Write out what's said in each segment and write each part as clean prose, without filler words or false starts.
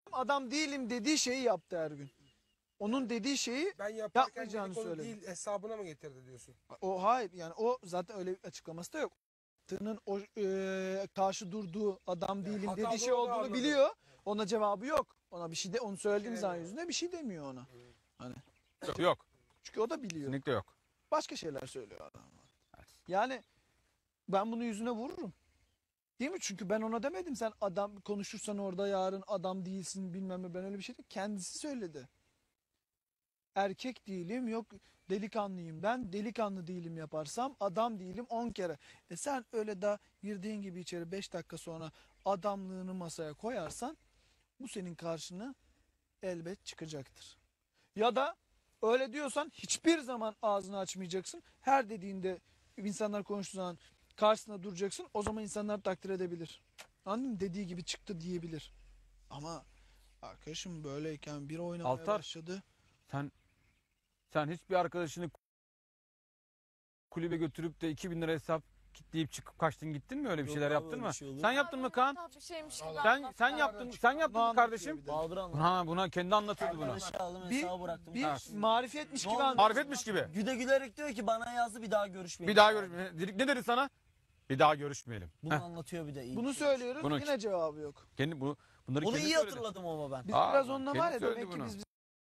Adam değilim dediği şeyi yaptı her gün. Onun dediği şeyi Ben yaparken yapmayacağını dedikodu söyledi. değil hesabına mı getirdi diyorsun? O hayır yani o zaten öyle bir açıklaması da yok. Tığ'ın o karşı durduğu adam değilim hatalı dediği şey olduğunu olduğunu anladım. biliyor. Ona cevabı yok. Ona bir şey de onu söylediğim zaman yüzüne bir şey demiyor ona. Hani Yok. çünkü o da biliyor. Kesinlikle yok. Başka şeyler söylüyor adam. Yani ben bunu yüzüne vururum. Değil mi? Çünkü ben ona demedim sen adam konuşursan orada yarın adam değilsin bilmem ne, ben öyle bir şey değil. Kendisi söyledi. Erkek değilim, yok delikanlıyım, ben delikanlı değilim yaparsam adam değilim 10 kere. Sen öyle da girdiğin gibi içeri 5 dakika sonra adamlığını masaya koyarsan bu senin karşına elbet çıkacaktır. Ya da öyle diyorsan hiçbir zaman ağzını açmayacaksın. Her dediğinde insanlar konuştuğu zaman karşısında duracaksın. O zaman insanlar takdir edebilir. Anladın mı? Dediği gibi çıktı diyebilir. Ama arkadaşım böyleyken bir oynamaya Altar. başladı. Sen hiçbir arkadaşını kulübe götürüp de 2000 lira hesap kitleyip çıkıp kaçtın gittin mi, öyle bir şeyler yaptın mı? Sen yaptın mı Kaan? Bir şeymiş gibi Sen yaptın mı kardeşim? Bağdır Buna kendi anlatıyordu bunu. Arkadaşı aldım Bir- hesabı bıraktım. Bir marifetmiş gibi Ne oldu? anladım. Marifetmiş gibi. Güde gülerek diyor ki bana yazdı bir daha görüşmeyelim. Bir daha görüşmeyelim. Ne dedi sana? Bir daha görüşmeyelim. Bunu Heh. anlatıyor bir de. iyi. Bunu söylüyoruz Bunu- yine cevabı yok. Bunları Bunu kendi iyi söyledi. hatırladım ama ben. Biz Aa, biraz onunla kendi var ya söyledi demek ki bunu. biz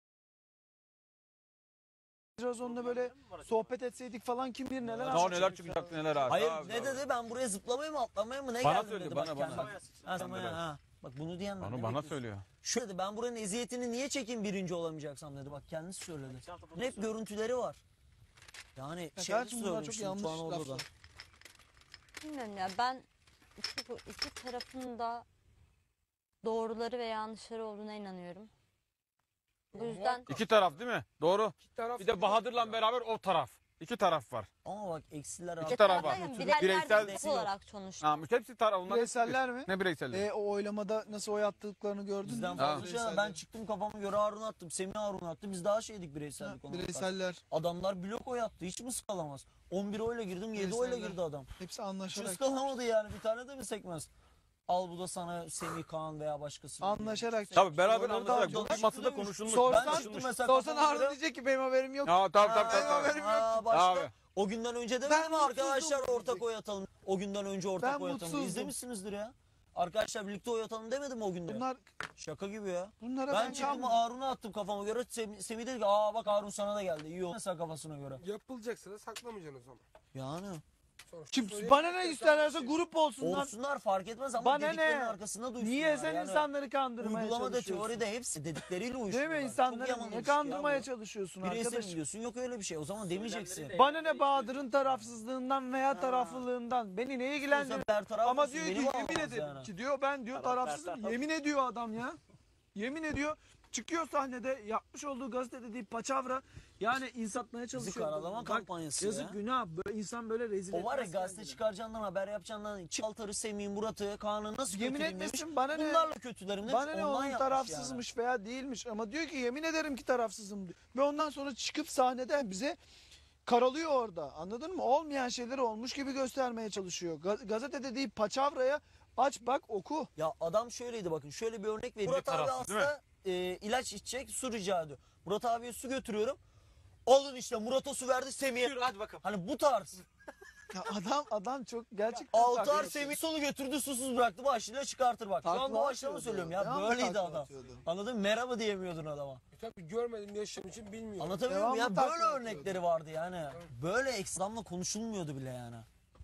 biraz onunla böyle sohbet etseydik falan kim bilir neler Daha anlatacak. neler çıkacak neler abi. Hayır Abi, ne abi. dedi ben buraya zıplamaya mı atlamaya mı ne Bana geldim söyledi, dedi. bana. Ha, sen ha. Bak bunu diyen ben. Onu ne bana bekliyorsun? söylüyor. Şöyle dedi ben buranın eziyetini niye çekeyim birinci olamayacaksam dedi. Bak kendisi söyledi. Hep görüntüleri var. Yani Ya şey kardeşim bunlar çok söylemiştim yanlış şu an orada da. laflar. Bilmiyorum ya, ben iki tarafın da doğruları ve yanlışları olduğuna inanıyorum. Bu yüzden İki taraf değil mi? Doğru. İki taraf Bir de Bahadır'la beraber o taraf. İki taraf var. Ama bak eksiler İki artı. taraf var. bireysel Bireysel- destek olarak sonuçta. Ha, hepsi taraf. Onlar Bireyseller mi? Ne bireyselleri? O oylamada nasıl oy attıklarını gördün mü? Bizden Ha. fazla şey var. Ben çıktım kafama göre Harun attım. Semih Harun attı. Biz daha şeydik bireysellik olarak. Bireyseller Adamlar blok oy attı. Hiç mi sıkalamaz? 11 oyla girdim 7 oyla Bireyseller. girdi adam. hepsi Hiç anlaşarak ıskalamadı yani. Bir tane de mi sekmez? Al bu da sana Semih Kaan veya başkası. anlaşarak. Tabii beraber Oyları anlaşarak. da- Bu masada konuşulmuş. Sorsan- Ben konuşulmuş. çıktım mesela Sorsan kafama Harun göre. diyecek ki benim haberim yok. Ya tabii. Başka. Abi. O günden önce de Ben mi arkadaşlar mutsuzdum ortak diyecek. oy atalım? O günden önce ortak Ben oy atalım. mutsuzdum. İzlemişsinizdir ya. Arkadaşlar birlikte oy atalım demedim mi o günde? Bunlar Şaka gibi ya. bunlara Ben ben çıktım kalmam. Harun'a attım kafama göre. Semih dedi ki aa bak Harun sana da geldi. İyi oldu mesela kafasına göre. yapılacaksa da saklamayacaksın o zaman. Yani. Sonuçta Kim söyleyecek bana ne hesabı isterlerse şey. grup olsunlar. Olsunlar fark etmez ama Bana dediklerinin ne? arkasında duysunlar. Niye sen yani. insanları kandırmaya Uygulamada çalışıyorsun? teoride hepsi dedikleriyle Değil uyuşuyorlar. mi? Çok İnsanları yaman niye ilişki ya kandırmaya bu. çalışıyorsun Bireysel arkadaş? biliyorsun yok öyle bir şey. O zaman demeyeceksin. Bana ne Bahadır'ın tarafsızlığından veya taraflılığından. Beni ne ilgilendirir? Bertaraf Ama olsun, diyor beni ki bağlamaz yemin ederim yani. ki diyor ben diyor tarafsızım. Yemin ediyor adam ya. Yemin ediyor. Çıkıyor sahnede yapmış olduğu gazetede değil paçavra. Yani insatmaya çalışıyor. karalama Bak, kampanyası yazık ya. günah. Böyle insan böyle rezil O var ya etmez gazete kendini. çıkaracağından haber yapacağından Çaltar'ı, Semih'i, Murat'ı, Kaan'ı nasıl Yemin kötüleyeyim demiş. etmesin bana ne? Bunlarla kötülerim demiş. Bana ne ondan onun yapmış tarafsızmış veya değilmiş ama diyor ki yemin ederim ki tarafsızım diyor. Ve ondan sonra çıkıp sahnede bize karalıyor orada, anladın mı? Olmayan şeyleri olmuş gibi göstermeye çalışıyor. Gazetede değil paçavraya aç bak oku. Ya adam şöyleydi bakın şöyle bir örnek vereyim. Murat abi tarafsız, değil mi? hasta ilaç içecek su rica ediyor. Murat abiye su götürüyorum. Alın işte Murat'a su verdi Semih'e. Hadi bakalım. Hani bu tarz. Ya adam çok gerçekten Altar taklit Semih solu götürdü susuz bıraktı başlığıyla çıkartır bak. Şu Takla an doğaçlama atıyordu. söylüyorum ya. Devamlı Böyleydi takla adam. atıyordu. Anladın mı? Merhaba diyemiyordun adama. Tabii görmedim yaşam için bilmiyorum. Anlatabiliyor muyum? Devamlı Ya böyle takla örnekleri vardı yani. Böyle ekstremle konuşulmuyordu bile yani.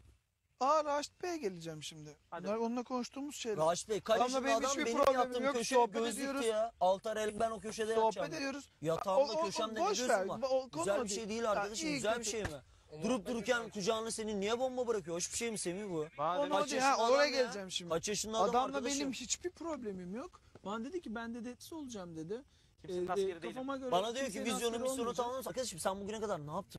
Raşit Bey'e geleceğim şimdi. Bunlar onunla konuştuğumuz şeyler. Raşit Bey kaç Adamla yaşında benim adam hiçbir benim problemim yattığım yok. köşe Sohbet gözlüktü ediyoruz. ya. Altar el ben o köşede Sohbet yapacağım. ediyoruz. Yatağımda O- o- köşemde boş ne ver. gözüm var? O konu Güzel o bir şey değil. değil Ya, arkadaşım. iyi Güzel bir kötü. şey mi? Durup dururken kucağına senin niye bomba bırakıyor? Hoş bir şey mi Semih bu? Onu Kaç değil, yaşında adam oraya ya? geleceğim şimdi. Kaç yaşında adam Adamla arkadaşım? benim hiçbir problemim yok. Bana dedi ki ben de olacağım dedi. Kimsenin askeri değilim. Kafama göre Bana diyor ki kimsenin vizyonun askeri misyonu olmayacağım. tamamlamış. Arkadaşım sen bugüne kadar ne yaptın?